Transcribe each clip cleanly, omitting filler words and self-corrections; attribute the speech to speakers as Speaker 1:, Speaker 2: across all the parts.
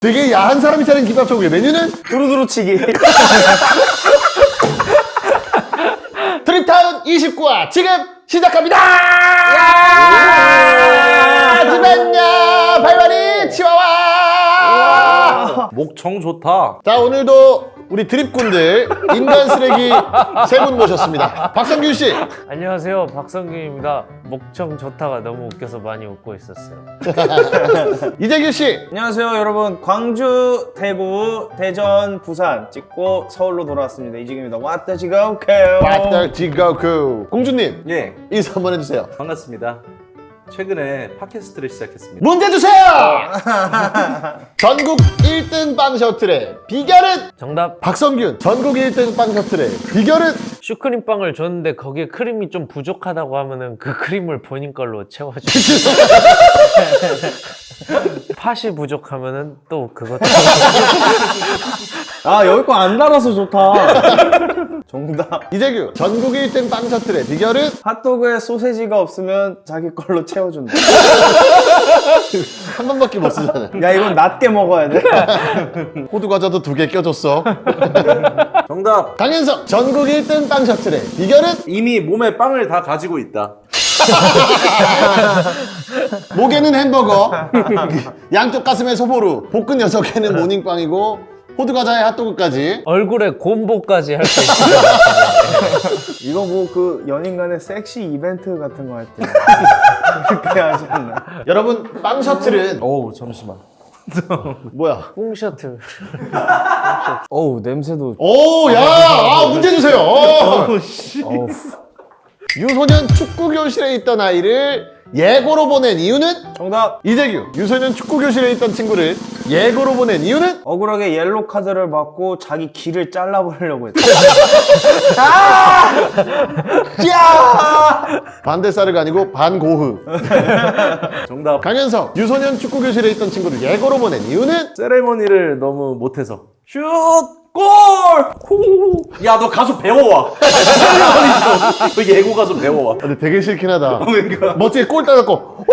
Speaker 1: 되게 야한 사람이 차린 김밥 천국의 메뉴는
Speaker 2: 두루두루치기.
Speaker 1: 트립타운 29화 지금 시작합니다! 하지만요 발발이 치와와
Speaker 3: 목청 좋다.
Speaker 1: 자 오늘도 우리 드립꾼들 인간 쓰레기 세 분 모셨습니다. 박성균씨
Speaker 4: 안녕하세요, 박성균입니다. 목청 좋다가 너무 웃겨서 많이 웃고 있었어요.
Speaker 1: 이재규씨
Speaker 2: 안녕하세요 여러분. 광주, 대구, 대전, 부산 찍고 서울로 돌아왔습니다. 이지규입니다. 왔다 지가 오케요.
Speaker 1: 왔다 지가쿠 공주님
Speaker 3: 예,
Speaker 1: 인사 한번 해주세요.
Speaker 3: 반갑습니다. 최근에 팟캐스트를 시작했습니다.
Speaker 1: 문제 주세요! 전국 1등 빵 셔틀의 비결은?
Speaker 4: 정답,
Speaker 1: 박성균 전국 1등 빵 셔틀의 비결은?
Speaker 4: 슈크림빵을 줬는데 거기에 크림이 좀 부족하다고 하면은 그 크림을 본인 걸로 채워주세요. 팥이 부족하면은 또 그것도
Speaker 2: 아 여기 거 안 달아서 좋다. 정답.
Speaker 1: 이재규 전국 1등 빵 셔틀의 비결은?
Speaker 2: 핫도그에 소세지가 없으면 자기 걸로 채워준다.
Speaker 1: 한 번밖에 못 쓰잖아요.
Speaker 2: 야 이건 낮게 먹어야 돼.
Speaker 1: 호두 과자도 2개 껴줬어.
Speaker 3: 정답.
Speaker 1: 강현석 전국 1등 빵 셔틀의 비결은?
Speaker 3: 이미 몸에 빵을 다 가지고 있다.
Speaker 1: 목에는 햄버거, 양쪽 가슴에 소보루, 복근 6개는 모닝빵이고 호두 과자에 핫도그까지.
Speaker 4: 얼굴에 곰보까지 할 수 있어요.
Speaker 2: 이거 뭐 그 연인 간의 섹시 이벤트 같은 거 할 때 그렇게 하셨나?
Speaker 1: 여러분 빵 셔틀은
Speaker 3: 어우 잠시만.
Speaker 1: 뭐야?
Speaker 4: 꽁 셔틀.
Speaker 2: 어우 냄새도.
Speaker 1: 오, 야, 문제 주세요.
Speaker 2: 어우.
Speaker 1: 유소년 축구 교실에 있던 아이를 예고로 보낸 이유는?
Speaker 2: 정답.
Speaker 1: 이재규 유소년 축구 교실에 있던 친구를 예고로 보낸 이유는?
Speaker 2: 억울하게 옐로 카드를 받고 자기 귀를 잘라버리려고 했다.
Speaker 1: 반대사르가 아니고 반고흐.
Speaker 3: 정답.
Speaker 1: 강현석 유소년 축구 교실에 있던 친구를 예고로 보낸 이유는?
Speaker 3: 세레머니를 너무 못해서. 슛! 골! 야, 너 가서 배워와. 세레머니 좀. 너 예고 가서 배워와.
Speaker 1: 근데 되게 싫긴 하다.
Speaker 3: 그러니까.
Speaker 1: 멋지게 골 따갖고.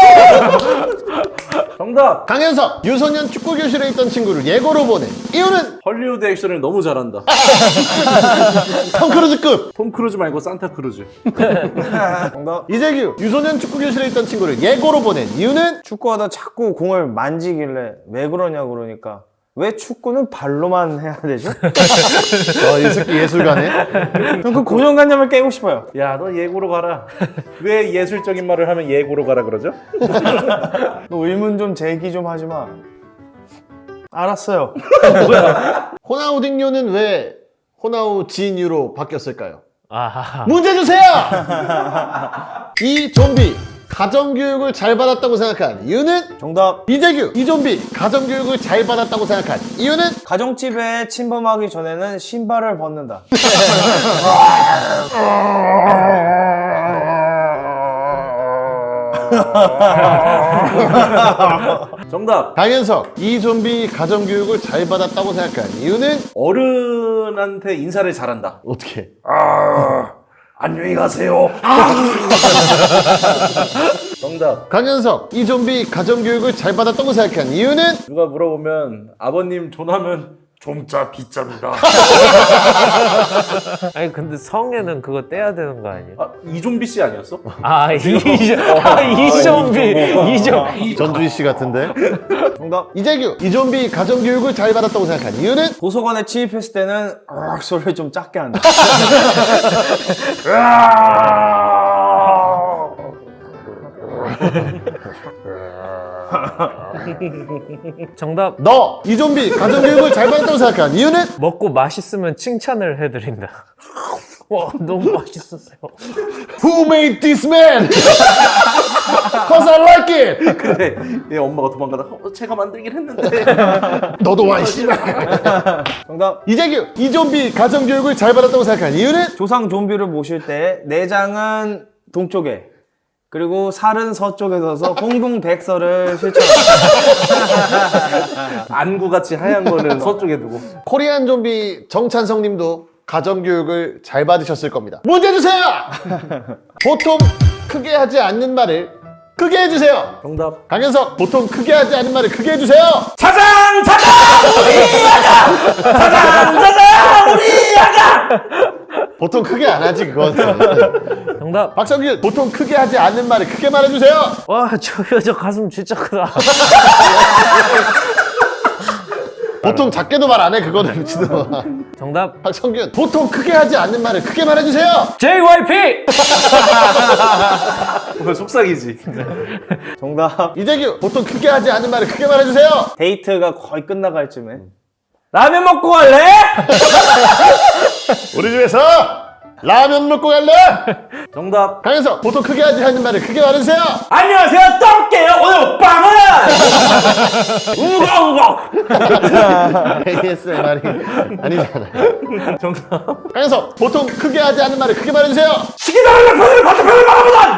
Speaker 3: 정답.
Speaker 1: 강현석 유소년 축구 교실에 있던 친구를 예고로 보낸 이유는?
Speaker 3: 헐리우드 액션을 너무 잘한다.
Speaker 1: 톰 크루즈급.
Speaker 3: 톰 크루즈 말고 산타 크루즈.
Speaker 2: 정답.
Speaker 1: 이재규 유소년 축구 교실에 있던 친구를 예고로 보낸 이유는?
Speaker 2: 축구하다 자꾸 공을 만지길래 왜 그러냐 그러니까 왜 축구는 발로만 해야 되죠?
Speaker 1: 이 새끼 예술가네.
Speaker 2: 전 그 고정관념을 깨고 싶어요.
Speaker 3: 야, 너 예고로 가라. 왜 예술적인 말을 하면 예고로 가라 그러죠?
Speaker 2: 너 의문 좀 제기 좀 하지 마. 알았어요.
Speaker 1: 호나우딩요는 왜 호나우지뉴로 바뀌었을까요?
Speaker 4: 아하.
Speaker 1: 문제 주세요! 이 좀비 가정교육을 잘 받았다고 생각한 이유는?
Speaker 2: 정답.
Speaker 1: 이재규 이 좀비 가정교육을 잘 받았다고 생각한 이유는?
Speaker 2: 가정집에 침범하기 전에는 신발을 벗는다.
Speaker 3: 정답.
Speaker 1: 강현석 이 좀비 가정교육을 잘 받았다고 생각한 이유는?
Speaker 3: 어른한테 인사를 잘한다.
Speaker 1: 어떻게?
Speaker 3: 안녕히 가세요. 정답.
Speaker 1: 강현석 이 좀비 가정교육을 잘 받았다고 생각한 이유는?
Speaker 3: 누가 물어보면 아버님 존하면 좀자 비자입니다.
Speaker 4: 아니 근데 성에는 그거 떼야 되는 거 아니에요?
Speaker 3: 아, 이좀비 씨 아니었어?
Speaker 4: 이좀비.
Speaker 1: 전주희 씨 같은데?
Speaker 2: 정답.
Speaker 1: 이재규 이 좀비 가정교육을 잘 받았다고 생각한 이유는?
Speaker 2: 도서관에 침입했을 때는 소리를 좀 작게 한다.
Speaker 4: 정답,
Speaker 1: 너 이 좀비 가정교육을 잘 받았다고 생각한 이유는?
Speaker 4: 먹고 맛있으면 칭찬을 해드린다. 와, 너무 맛있었어요.
Speaker 1: Who made this man? Cause I like it.
Speaker 3: 근데 얘 엄마가 도망가다 제가 만들긴 했는데.
Speaker 1: 너도 와 이씨발.
Speaker 2: 정답.
Speaker 1: 이재규 이 좀비 가정교육을 잘 받았다고 생각한 이유는?
Speaker 2: 조상 좀비를 모실 때 내장은 동쪽에 그리고 살은 서쪽에 둬서 홍동백서를 실천한다.
Speaker 3: 안구같이 하얀 거는 서쪽에 두고.
Speaker 1: 코리안 좀비 정찬성 님도 가정교육을 잘 받으셨을 겁니다. 문제 주세요. 보통 크게 하지 않는 말을 크게 해주세요.
Speaker 3: 정답.
Speaker 1: 강현석 보통 크게 하지 않은 말을 크게 해주세요.
Speaker 3: 자장 우리 야가. 자장 우리 야가.
Speaker 1: 보통 크게 안 하지 그건.
Speaker 4: 정답.
Speaker 1: 박성균 보통 크게 하지 않는 말을 크게 말해주세요.
Speaker 4: 와, 저 여자 가슴 진짜 크다.
Speaker 1: 보통 작게도 말 안 해 그거는 미친놈아.
Speaker 4: 정답.
Speaker 1: 박성균 보통 크게 하지 않는 말을 크게 말해주세요.
Speaker 4: JYP.
Speaker 3: 오늘 속삭이지.
Speaker 2: 정답.
Speaker 1: 이재규 보통 크게 하지 않는 말을 크게 말해주세요.
Speaker 2: 데이트가 거의 끝나갈 쯤에.
Speaker 4: 라면 먹고 갈래?
Speaker 1: 우리 집에서 라면 먹고 갈래?
Speaker 3: 정답.
Speaker 1: 강현석 보통 크게 하지 않는 말을 크게 말해주세요.
Speaker 3: 안녕하세요. 떡게요. 오늘 빵은 우거우거.
Speaker 1: ASMR이 아니잖아요.
Speaker 3: 정답.
Speaker 1: 강현석 보통 크게 하지 않는 말을 크게 말해주세요.
Speaker 3: 시기다는 편을 반대편을 말하보다.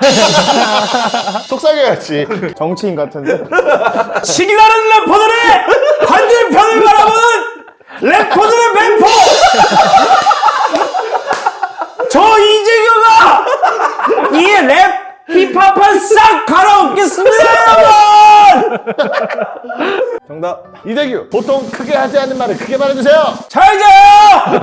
Speaker 1: 속삭여야지.
Speaker 2: 정치인 같은데?
Speaker 3: 시기다는 래퍼들의 반대편을 바라보는 래퍼들의 맹포. 저 이재규가 이 랩 힙합을 싹 갈아엎겠습니다, 여러분!
Speaker 2: 정답.
Speaker 1: 이재규 보통 크게 하지 않는 말을 크게 말해주세요.
Speaker 3: 잘 자요!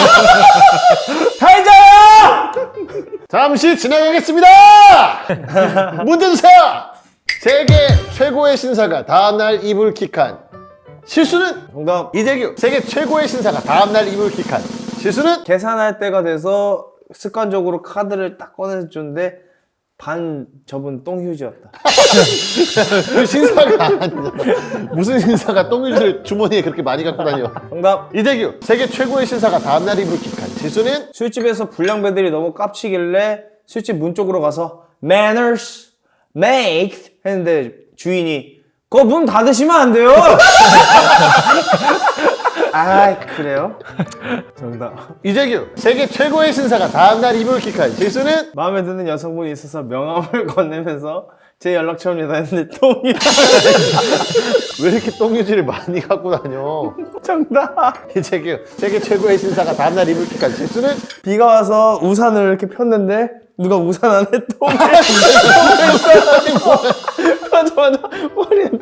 Speaker 3: 잘 자요!
Speaker 1: 잠시 진행하겠습니다. 문제 주세요. 세계 최고의 신사가 다음날 이불킥한 실수는?
Speaker 2: 정답.
Speaker 1: 이재규 세계 최고의 신사가 다음날 이불킥한 실수는?
Speaker 2: 계산할 때가 돼서 습관적으로 카드를 딱 꺼내서 줬는데 반 접은 똥휴지였다.
Speaker 1: 그 신사가 아니야. 무슨 신사가 똥유지를 주머니에 그렇게 많이 갖고 다녀.
Speaker 2: 정답.
Speaker 1: 이재규 세계 최고의 신사가 다음날 이불킥한 실수는?
Speaker 2: 술집에서 불량배들이 너무 깝치길래 술집 문 쪽으로 가서 manners make 했는데 주인이 그거 문 닫으시면 안 돼요. 아 그래요? 정답.
Speaker 1: 이재규 세계 최고의 신사가 다음날 이불킥한 실수는?
Speaker 2: 마음에 드는 여성분이 있어서 명함을 건네면서 제 연락처입니다 했는데 똥이.
Speaker 1: 왜 이렇게 똥유지를 많이 갖고 다녀?
Speaker 2: 정답.
Speaker 1: 이재규 세계 최고의 신사가 다음날 이불킥한 실수는?
Speaker 2: 비가 와서 우산을 이렇게 폈는데 누가 우산 안에 똥을 맞아 머리에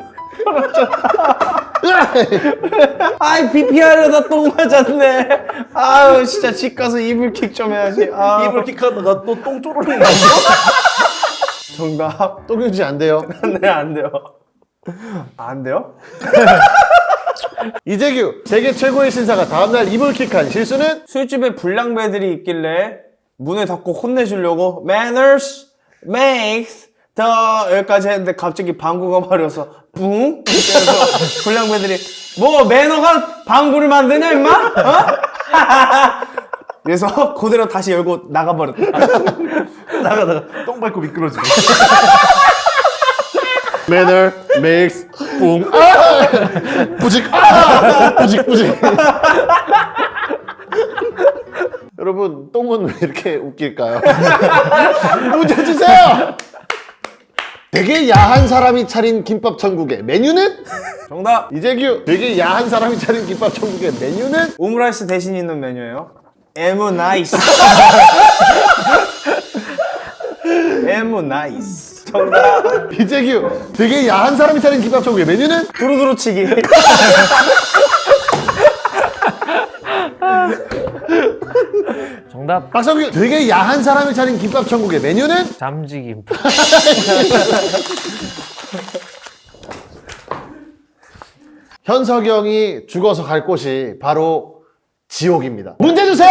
Speaker 2: 아이 비 피하려다 똥 맞았네. 아유 진짜 집 가서 이불킥 좀 해야지. 아.
Speaker 3: 이불킥 하다가 또 똥 쪼르륵 나죠?
Speaker 2: 정답.
Speaker 1: 똥유지 안 돼요.
Speaker 2: 네, 안 돼요. 안 돼요?
Speaker 1: 이재규 세계 최고의 신사가 다음날 이불킥한 실수는?
Speaker 2: 술집에 불량배들이 있길래 문을 닫고 혼내주려고 manners makes the 여기까지 했는데 갑자기 방구가 마려서 뿡? 그래서 불량배들이 뭐 매너가 방구를 만드냐 임마? 어? 그래서 그대로 다시 열고 나가버렸다.
Speaker 3: 나가다가 똥 밟고 미끄러지고.
Speaker 1: Manner makes 뿡. 아! 부직. 아! 부직 부직. 여러분 똥은 왜 이렇게 웃길까요? 문제 주세요. 되게 야한 사람이 차린 김밥 천국의 메뉴는?
Speaker 2: 정답.
Speaker 1: 이재규 되게 야한 사람이 차린 김밥 천국의 메뉴는?
Speaker 2: 오므라이스 대신 있는 메뉴예요. 에무 나이스. 에무 나이스. 정답.
Speaker 1: 이재규 되게 야한 사람이 차린 김밥 천국의 메뉴는?
Speaker 2: 두루두루치기.
Speaker 4: 정답.
Speaker 1: 박성규 되게 야한 사람이 차린 김밥 천국의 메뉴는?
Speaker 4: 잠지김.
Speaker 1: 현석이 형이 죽어서 갈 곳이 바로 지옥입니다. 문제 주세요.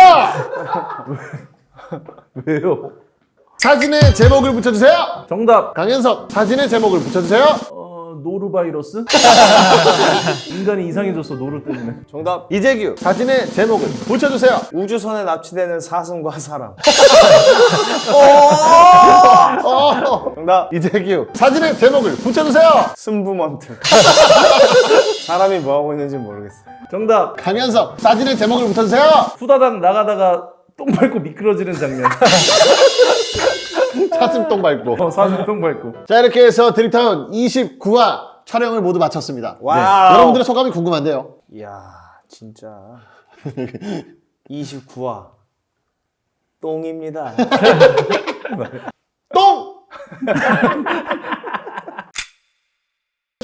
Speaker 3: 왜요?
Speaker 1: 사진에 제목을 붙여주세요.
Speaker 3: 정답.
Speaker 1: 강현석 사진에 제목을 붙여주세요.
Speaker 3: 노루바이러스? 인간이 이상해졌어, 노루 때문에.
Speaker 2: 정답.
Speaker 1: 이재규 사진에 제목을 붙여주세요.
Speaker 2: 우주선에 납치되는 사슴과 사람. 정답.
Speaker 1: 이재규 사진에 제목을 붙여주세요.
Speaker 2: 승부먼트. 사람이 뭐하고 있는지 모르겠어.
Speaker 3: 정답.
Speaker 1: 강현석 사진에 제목을 붙여주세요.
Speaker 3: 후다닥 나가다가 똥 밟고 미끄러지는 장면.
Speaker 1: 사슴똥 밟고.
Speaker 3: 사슴 똥 밟고.
Speaker 1: 자 이렇게 해서 드립타운 29화 촬영을 모두 마쳤습니다.
Speaker 2: 와우.
Speaker 1: 여러분들의 소감이 궁금한데요.
Speaker 2: 이야, 진짜. 29화. 똥입니다.
Speaker 1: 똥!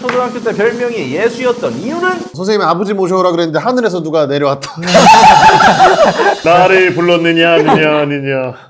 Speaker 3: 초등학교 때 별명이 예수였던 이유는?
Speaker 1: 선생님이 아버지 모셔오라 그랬는데 하늘에서 누가 내려왔다.
Speaker 5: 나를 불렀느냐 아니냐 아니냐.